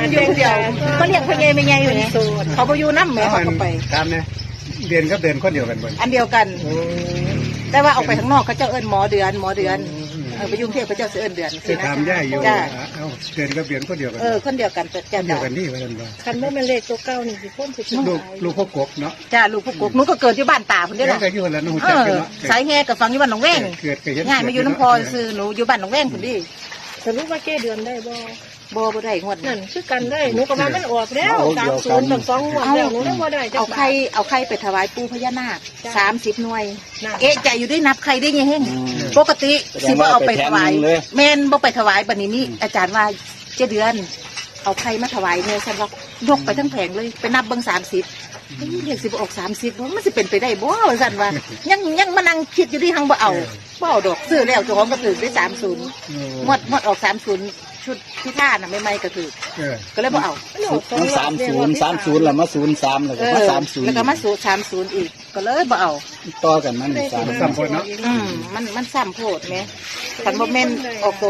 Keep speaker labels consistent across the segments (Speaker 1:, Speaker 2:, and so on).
Speaker 1: มันอยู่เดียวก็เรียกพ่อใหญ่แม่ใหญ่อยู่เนี่ยเขาไปอยู่น้ำแม่เขาก็ไป
Speaker 2: ตามเนี่ยเดือนกับเดือนคนเดียวกันบ่
Speaker 1: อันเดียวกัน แต่ว่าออกไปข้างนอกเขาเจ้าเอิ้นหมอเดือนไปยุ่งเที่ยวเขาเจ้าเอิ้นเดือน
Speaker 2: จะถามย่าอยู่
Speaker 1: จ้า
Speaker 2: เอาเดือนกับเดือนคนเดียวกัน
Speaker 1: คนเดียวกันจ้า
Speaker 2: เดียวกันนี่ว่ากันบ่
Speaker 3: คันว่ามันเลขตัวเก้านี่สิพ้นสิ
Speaker 2: ลูกพ่อกบเนาะ
Speaker 1: จ้าลูกพวกกุ๊กหนูก็เกิดที่บ้านตาคนเดียว
Speaker 2: แล้ว
Speaker 1: นะ
Speaker 2: ก็อยู่แล้วน้องจักกันเนาะ
Speaker 1: สายแห่กับฟังอยู่บ้านหนองแวง
Speaker 2: เกิดก็เห็น
Speaker 1: ง่ายมาอยู่น้ำพอซื้อหนูอยู่บ้านหนองแวงคนดี
Speaker 3: สรุปว่าแก้เดือนได้บ่
Speaker 1: บ่ได้งวด
Speaker 3: นั่นคือกันได้หนูก็ว่ามันออกแล้ว30กับ2งวดแล้วหนูได้บ่ได้จัก
Speaker 1: เอาไข่ไปถวายปู่พญานาค30 หน่วย เอ๊ะใจอยู่ด้วยนับไข่ได้ยังเฮงปกติสิบ่เอาไปถวายแม่นบ่ไปถวายบัดนี้นี่อาจารย์ว่า7 เดือนเอาไข่มาถวายเนี่ยฉันว่ายกไปทั้งแผงเลยไปนับเบิ่ง30เรียกสิบ่ออก30มันสิเป็นไปได้บ่ซั่นว่ายังมานั่งคิดอยู่ที่หังบ่เอาดอกซื้อแล้วเจ้าของก็ถือได้30งวดออก30ชุดที่ท่าน่ะใหม่ๆก็ถือก็เลยบ่เอา
Speaker 4: มัน30แล้วมา03แล้วก็มา30
Speaker 1: แล้วก็มาสู่30อีกก็เลยบ่เอา
Speaker 4: ต่อกันมัน
Speaker 2: ซ้ำคนเนาะ
Speaker 1: มันซ้ำโพดไหมคันบ่แม่นออกโต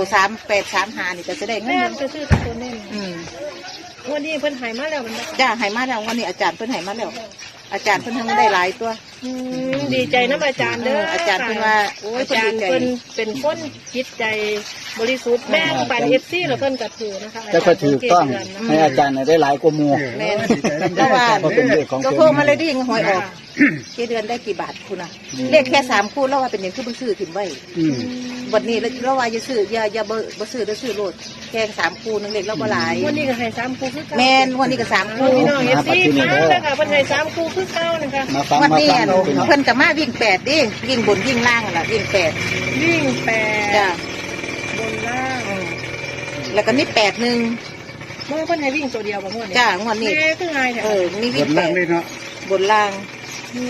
Speaker 1: 3835นี่ก็จะได้เงิ
Speaker 3: แม่
Speaker 1: น
Speaker 3: ก็ซื้อตัวนี้วันนี้เพิ่นหายมาแล้วมัน
Speaker 1: จ้าให้มาแล้ววันนี้อาจารย์เพิ่นให้มาแล้วอาจารย์เพิ่นทั้งได้หลายตัว
Speaker 3: ดีใจนะอาจารย์เด้อ
Speaker 1: อาจารย์เพิ่นว่าโอ้ย
Speaker 3: อาจารย์เพิ่นเป็นคนจิตใจบริสุทธิ์แบ่งปัน FC แล้วเพิ่นก็ถือนะคะ
Speaker 4: แต่ก็ถูกต้องให้อาจารย์ได้หลายกว่าหมู่
Speaker 1: แม่นเพราะว่าก็โทรมาเลยดิหวยออกกี่เดือนได้กี่บาทคุณน่ะเลขแค่3คู่แล้วว่าเป็นหยังคือบ่ซื้อถิ่มไว้วันนี้แล้วว่าอย่าซื้ออย่าบ่ซื้อแล้วซื้อโลดแค่3คู่นึงเลขเราบ่หลาย
Speaker 3: วันนี้ก็ให้3คู่คือเก่า
Speaker 1: แม่นวันนี้ก็3คู่
Speaker 3: พี่น้อง FC มาแล้วค่ะเพิ่นให้3คู่คือเก่านะคะ
Speaker 4: มาฟัง
Speaker 1: วัน
Speaker 4: มา
Speaker 1: นี้
Speaker 4: ฟังเป็น
Speaker 1: เพิ่นก็มาวิ่ง8ดิวิ่งบนวิ่งล่างล่ะวิ่ง8
Speaker 3: วิ่ง8
Speaker 1: จ้ะ
Speaker 3: บนล่าง
Speaker 1: แล้วก็มี8-1
Speaker 3: เมื่อเพิ่นให้วิ่งตัวเดียวบ่งวดนี้
Speaker 1: จ้างวดนี้
Speaker 3: แม่คือไงเนี่ย
Speaker 1: มี
Speaker 2: ก
Speaker 1: วิ่
Speaker 2: ด
Speaker 1: ง
Speaker 2: ล่างเลยเนาะ
Speaker 1: บนล่าง
Speaker 3: มี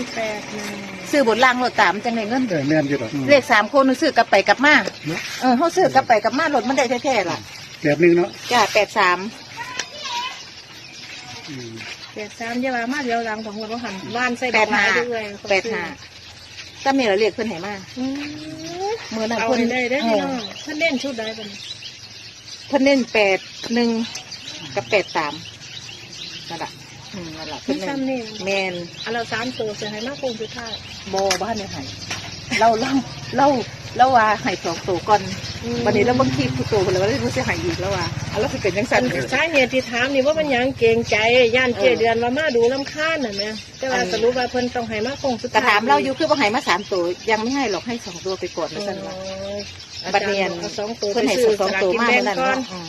Speaker 3: 8
Speaker 1: ซื้อบนล่างรถตามจังไดเงิน
Speaker 2: แม่นอยู่ดอก
Speaker 1: เลข3คนซื้อกลับไปกลับมาเฮาซื้อกลับไปกลับมารถมันได้แท้ๆล่ะ
Speaker 2: แบบนึงเนาะ
Speaker 1: จ้า83
Speaker 3: 3อย่าว่ามาเดียวหลังของหัวบ่หันบ้านใส่ดอกไม้ด้วย
Speaker 1: 85ก็มีเราเรียกเพิ่นให้มามื้อนั้น
Speaker 3: เอา
Speaker 1: เพิ่น
Speaker 3: ได้เด้อพี่น้องเพิ่นเล่นชุดใดเพิ่น
Speaker 1: เพิ่นเน้น81กับ83นั่นล่ะนั่นล่ะเพิ่นแม่น
Speaker 3: เอาเรา3ตัวจะให้มาคงสุดท้าย
Speaker 1: บ่บ้านได้ให้เราว่าให้2ตัวก่อนวันนี้เราบ่คิดผู้ตัวเพิ่นแล้วว่าเราสิให้อีกแล้วว่าแล้วสิเป็นจังซั่น
Speaker 3: สาเหตุที่ถามนี่ว่ามันหยังเกรงใจย่านเจเดือนว่ามาดูลำคาญน่ะแม่แต่ว่าสรุปว่าเพิ่นต้องให้มาคงสุด
Speaker 1: แต่
Speaker 3: ท้าย
Speaker 1: ถามเราอยู่คือบ่ให้มา3ตัวยังไม่ให้หรอกให้2ตัวไปก่อนว่าซั่นว่าบัดเนียน
Speaker 3: 2ตัว
Speaker 1: เพิ่นให้2ตัวมาเมื่อนั้น
Speaker 3: ก่อน
Speaker 1: เนาะ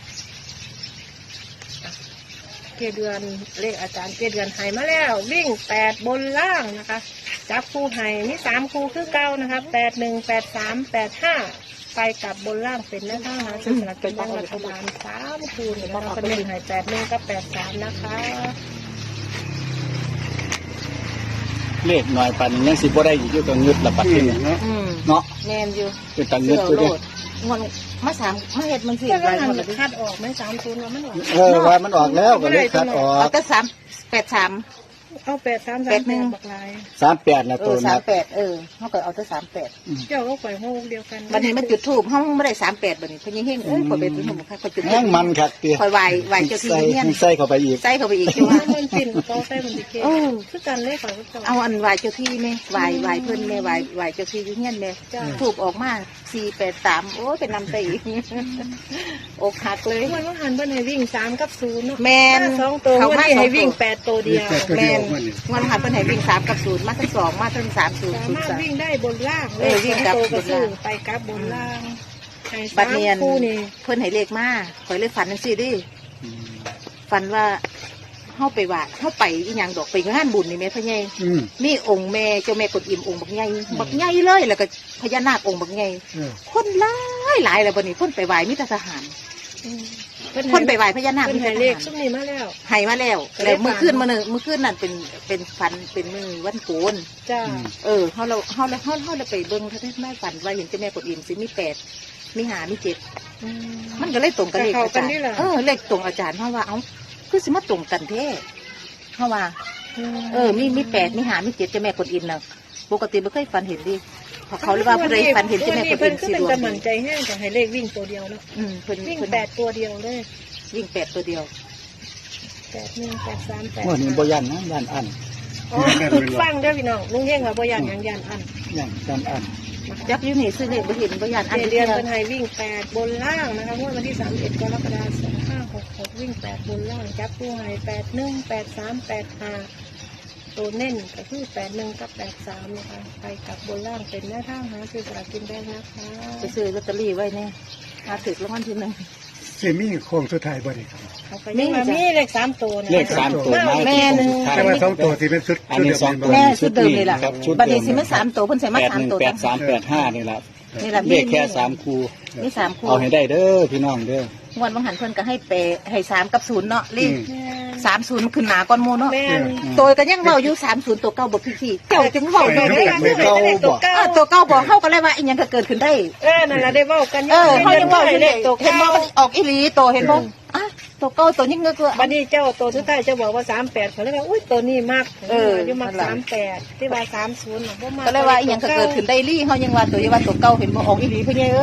Speaker 3: เจเดือนเลขอาจารย์เจเดือนให้มาแล้ววิ่ง8บนล่างนะคะจับคู่ให้มี3คู่คือเก่านะคะ81 83 85ไปกลับบนล่างเป็นแนวทางหาซื้อสลากกินแบ่งรัฐบาล3คู่นะคะเป็น1ให้81กับ83นะคะ
Speaker 4: เลขหน่อยปันยังสิบ่ได้อยู่กับเงึดละปัดที่นี่
Speaker 2: เนาะ
Speaker 4: เนาะ
Speaker 1: แม่นอยู่
Speaker 4: เป็นตังเงึ
Speaker 1: เสื้
Speaker 4: ด
Speaker 1: อ
Speaker 4: อยู่
Speaker 1: โล
Speaker 4: เด้
Speaker 1: ดงวดมาเฮ็ดมันสิ
Speaker 3: แต่
Speaker 1: ห
Speaker 3: ว่า
Speaker 1: ลาย
Speaker 3: หั
Speaker 1: คน นละ
Speaker 3: คัดออกไหม30ว่ามันออก
Speaker 4: ว่ามันออกแล้วก็เลยคัดออ
Speaker 1: เอา
Speaker 4: ก
Speaker 1: แต่383
Speaker 3: เอา83 38บักลาย
Speaker 4: 38นะตัวนัก
Speaker 1: 38เฮาก็เอาแต่38
Speaker 3: เจ้าก็ปล่อยโฮกเดียวกัน
Speaker 1: บัดนี้มันจุดธูปเฮาบ่ได้38บัดนี้เพิ่นยังเฮงขอยไปจุดธูปค่ะขอยจุดธู
Speaker 4: แห้ง
Speaker 1: ป
Speaker 4: มันคักเตี้ย
Speaker 1: คอยไหวเจ้าที่เฮียน
Speaker 4: ใส่เข้าไปอีก
Speaker 1: ใส่เข้าไปอีกจังว่า
Speaker 3: มันปิ่นก็ใส่มันสิเกคือกันเลยค่ะ
Speaker 1: เอาอันไหวเจ้าที่แม่ไหวเพิ่นแม่ไหวเจ้าที่อยู่เฮียนแม่ถูกออกมา483โอ้ยเป็นนำไปอีกอกหักเลย
Speaker 3: มันว่าหันเพิ่นให้วิ่ง3กับ0เนาะ
Speaker 1: แม่น
Speaker 3: 2ตัววันนี้ให้วิ่ง8ตัวเดียว
Speaker 1: แม่นวันหันเพิ่นให้วิ่ง3กับ0มาทั้ง2มาทั้ง3
Speaker 3: สามารถวิ่งได้บนล่างเลย2ตัวก็ซื้อไปกลับบนล่างให้
Speaker 1: บัดเนียน
Speaker 3: คู่นี่
Speaker 1: เพิ่นให้เลขมาข่อยเลยฝันจังซี่ดิฝันว่าเฮาไปว่าเฮาไปอีหยังดอกไปงานบุญนี่แม่พ่อใหญ่มีองค์แม่เจ้าแม่กดอิ่มองค์บักใหญ่เลยแล้วก็พญานาคองค์บักใหญ่คนหลายแล้วบัดนี้เพิ่นไปไหว้มีแต่ทหารเพิ่นไปไหว้พญานาค
Speaker 3: เพิ่
Speaker 1: มี
Speaker 3: น
Speaker 1: แต่
Speaker 3: ให้
Speaker 1: ท
Speaker 3: เลข
Speaker 1: หาร
Speaker 3: ซุ่มนี้มาแล้ว
Speaker 1: ให้มาแล้วแล้วมื้อคืนนั่นเป็นฝันเป็นมื้อวันโกน
Speaker 3: จ้า
Speaker 1: เฮาเราไปเบิ่งเท่าที่แม่ฝันว่าเห็นเจ้าแม่กดอิ่มสิมี8มี5มี7มันก็เลยตรงกับเลขอาจารย์เลขตรงอาจารย์เพราะว่าเอ้าคือสิมาตรงกันแท้เพราะว่ามี8มี5มี7เจ้าแม่กดอิ่มน่ะปกติบ่เคยฝันเห็นดิเพราะเขาเรียกว่าผู้ใดฝันเห็นเจ้าแม่กดอิ่มสิดวง
Speaker 3: เพิ่นก็มั่นใจแห้งก็ให้เลขวิ่งตัวเดียวเนาะ
Speaker 1: เพิ่น
Speaker 3: วิ่ง8ตัวเดียวเลย
Speaker 1: วิ่ง8ตัวเดียว
Speaker 3: 8183
Speaker 4: ว่านี่บ่ยันนะยันอัน
Speaker 3: ฟังเด้อพี่น้องลุงเฮงว่าบ่ย่านหยังย่านอัน
Speaker 4: ยันอัน
Speaker 1: จักอยู่นี่ซื้อเลขบ่เห็นบ่ย่านอัน
Speaker 3: เดื
Speaker 1: เดี
Speaker 3: อย น
Speaker 1: ว
Speaker 3: เป็นไฮวิ่ง8บนล่างนะคะงวดวันที่31กรกฎาคม2566วิ่ง8บนล่างจับคู่ให้81 83 85ตัวเน้นก็คือ81กับ83นะคะไปกับบนล่างเป็นแนวทางหาซื้อสลากกินแบ่งนะคะ
Speaker 1: ไปซื้อลอตเตอรี่ไว้แน่ถ้าถึกรางวัลที่หนึ่ง
Speaker 2: สิมีโค้งสุดท้ายบ่ได้ครับ
Speaker 3: เอาไปยังว่ามีเลข3ตัวนะ
Speaker 4: เลข3ตัวมา
Speaker 1: แม่หนึ่ง
Speaker 2: แต่ว่าสองตัวที่เป็นชุด
Speaker 4: อันนี้
Speaker 2: ชุดเดิม
Speaker 1: แม่ชุดเดิมเลยล่ะ
Speaker 4: ครับชุด
Speaker 1: บัด
Speaker 4: เดิ
Speaker 1: นี้
Speaker 4: ม
Speaker 1: สิมันสามตัวเพิ่นใส่มาสามตัว
Speaker 4: 818385นี่ล่ะ
Speaker 1: นี่ล่ะ
Speaker 4: เลขแค่3คู่
Speaker 1: มีสามคู่
Speaker 4: เอาให้ได้เด้อพี่น้องเด้อง
Speaker 1: วดบางหันเพิ่นก็ให้เปให้3กับ0เนาะเลข
Speaker 3: แม่น
Speaker 1: 30มันขึ้นหนาก่อนหมู่เนาะ
Speaker 3: แม่น
Speaker 1: ตัวก็ยังเว้าอยู่30ตัวเก่าบ่พี่ๆเจ้าจึงเว้า
Speaker 3: ไป
Speaker 1: ได้
Speaker 3: ได้
Speaker 1: เลย
Speaker 3: กันด้วยตัวเก้า
Speaker 1: ตัวเก่าบ่เฮาก็เลยว่าอีหยังก็เกิดขึ้นได้
Speaker 3: นั่นแหละได้เว้ากัน
Speaker 1: เฮายังเว้าอยู่
Speaker 3: เล
Speaker 1: เลย
Speaker 3: ขตัว
Speaker 1: เห็นบ่
Speaker 3: เก้า
Speaker 1: มันออกอีหลีตัวเห็นบ่อ่ะตัวเก่าตัวยิ่งเงือก
Speaker 3: บัดนี้เจ้าตัวสุดท้ายเจ้าบอกว่า38เขาเลยว่าอุ้ยตัวนี้มากอยู่มัก
Speaker 1: นั่นล่ะ
Speaker 3: 38ที่ว่า30น่ะบ่มาก
Speaker 1: ก็เลยว่าอีหยังก็เกิดขึ้นได้ลี่เฮายังว่าตัวอย่าว่าตัวเก่าเห็นบ่ออกอีหลีเพิ่นไง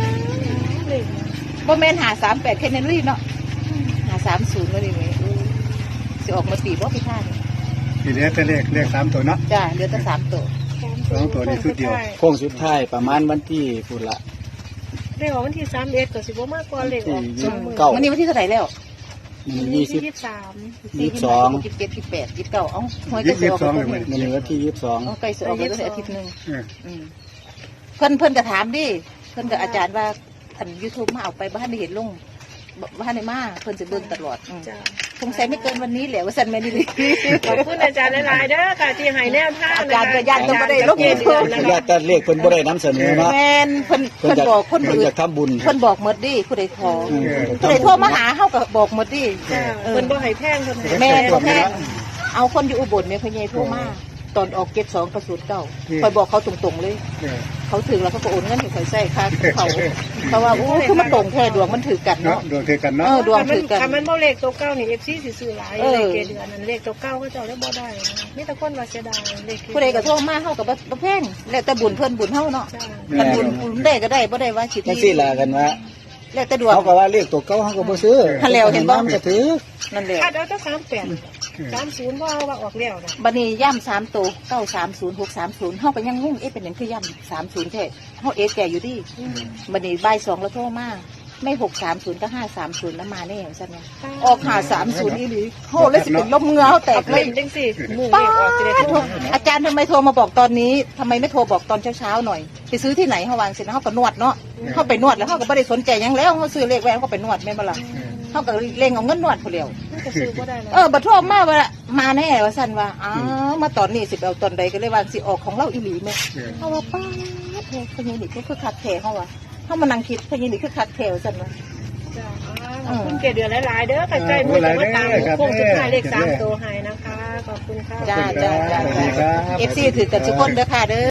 Speaker 1: บ่แม่น538แค่นั้นลี่เนาะ530ว่าดิแม่สิออกมาตีบ่พี่ท่านี่
Speaker 2: ทีเหลือแต่เลข3ตัวเนาะ
Speaker 1: จ้าเหลือแต่3ตัว
Speaker 2: สองตัวนี่ชุดเดียว
Speaker 4: โค้งสุดท้ายประมาณวันที่พุ่นละ
Speaker 3: เลขออกวันที่31ก็สิบ่มากกว่าเลขออก
Speaker 4: เก้า
Speaker 1: วันนี้วันที่เท่าไหร่แล้ว
Speaker 3: ยี่สิบ
Speaker 4: 20 22
Speaker 1: 27 28 29เอ้าหวยก็สิออก
Speaker 2: 22
Speaker 1: แล้ว
Speaker 2: เลย
Speaker 4: ในวันที่
Speaker 1: เอาใกล้สิออกแล้วอาทิตย์นึง
Speaker 2: เออ
Speaker 1: เพิ่นก็ถามดิเพิ่นก็อาจารย์ว่าอัน YouTube มาเอาไปบ้านได้เห็นลงบ้านได้มาเพิ่นสิเบิ่งตลอด
Speaker 3: จ้า
Speaker 1: สงสัยไม่เกินวันนี้แหละว่าซั่นแม่นดิ
Speaker 3: ขอบคุณอาจารย์หลายๆเด้อค่ะที่ให้แนวทาง
Speaker 1: อาจารย์ก็ย่านต้องบ่ได้ลง
Speaker 3: เดือนนะ
Speaker 4: 22
Speaker 3: คะ
Speaker 4: ญาติแต่เลขเพิ่นบ่ได้นำเสนอเนาะ
Speaker 1: แม่นเพิ่นบอกคน
Speaker 4: เพิ่น
Speaker 1: อื่น
Speaker 4: จะทำบุญ
Speaker 1: เพิ่นบอกหมดดิผู้ใดขอ
Speaker 4: อืม
Speaker 1: ผู้ใดโทรมาหาเฮาก็บอกหมดดิ
Speaker 3: จ้าเพิ่นบ่ให้แพงเพิ่นให้
Speaker 1: แม่
Speaker 3: แพ
Speaker 1: บ่
Speaker 3: ง
Speaker 1: แพงเอาคนอยู่อุบลแม่พ่อใหญ่โทรมาตอนออก72กับ09ข่อยบอกเขาตรงๆเลย
Speaker 2: เออ
Speaker 1: เขาถึงแล้วเขาก็โอนเงินให้ข่อยใส่ค่าเขาเพราะว่าอู้คือมันตรงแท้ดวงมันถือกัน
Speaker 2: เนาะ
Speaker 1: เนาะ
Speaker 2: ดวงเทกันเนาะ
Speaker 1: ดวงถือกัน
Speaker 3: ถ้ามันบ่เลขตัวเก้านี่ FC สิซื้อหลาย
Speaker 1: เออ
Speaker 3: เลขเกเดือนนั้นเลขตัวเก้าก็เจ้าได้บ่ได้นะมีแต่คนว่าเสียดายเลข
Speaker 1: ผู้ใดก็โทรมาเฮาก็บ่แพงแล้วแต่บุญเพิ่นบุญเฮาเนาะ
Speaker 3: จ้า
Speaker 1: คันบุญได้ก็ได้บ่ได้ว่าสิ
Speaker 4: จังซี่ล่ะกันว่า
Speaker 1: แล้วแต่ดวง
Speaker 4: เขาก็ว่าเลขตัวเก่าเขาก็บ่ซื้อ
Speaker 1: คันแล้วเห็นบ่
Speaker 4: ก็ถือ
Speaker 1: นั่นแหละ
Speaker 3: คาดเอาแต่30บ่เอาว่าออกแล้วนะ
Speaker 1: บัดนี้ย่ำ3ตัว930 630เฮาก็ยังงงเอ๊ะเป็นหยังคือย่ำ30แท้เฮาเอ๊ะแก่อยู่ดิบัดนี้บ่าย2แล้วโทรมาไม่630ก็530แล้วมาแน่ซั่นว่าออก530อีหลีโหเลยสิเป็นลมเหงือเฮาแต
Speaker 3: เอา
Speaker 1: กเล
Speaker 3: เป็
Speaker 1: ย
Speaker 3: นจังซี่มือเล
Speaker 1: ป้า
Speaker 3: ขออกสิได้
Speaker 1: ด
Speaker 3: โทร
Speaker 1: อาจารย์ทำไมโทรมาบอกตอนนี้ทำไมไม่โทรบอกตอนเช้าๆหน่อยไปซื้อที่ไหนเฮาวางเสร็จแล้วเฮาก็นวดเนาะเฮาไปนวดแล้วเฮาก็บ่ได้สนใจหยังแล้วเฮาซื้อเลขแหวนเฮาก็ไปนวดแม่นบ่ล่ะเฮาก็เล่งเอาเงินนวดผู้เดียว
Speaker 3: มันก็ซื้อบ่ได้แล้ว
Speaker 1: บัดโทรมาว่ามาแน่ว่าซั่นว่าอ้าวมาตอนนี้สิไปเอาตอนใดก็เลยว่าสิออกของเราอีหลีแม่
Speaker 2: เออ
Speaker 1: เฮาว่าป้าดเฮ้ยพญานี่ก็คือคักแท้เฮาว่าเฮามานั่งคิดพญานี่คือคักแท้ว่าซั่นว่า
Speaker 3: จ้าขอบคุณเกเดือนหลายๆเด้อใกล้ๆมื้อจะมาตามโค้งสุดท้ายเลข3ตัวให้นะคะขอบคุณค่ะ
Speaker 1: จ้า
Speaker 2: สวัสดีครับ
Speaker 1: FC ถือกันทุกคนเด้อค่ะเด้อ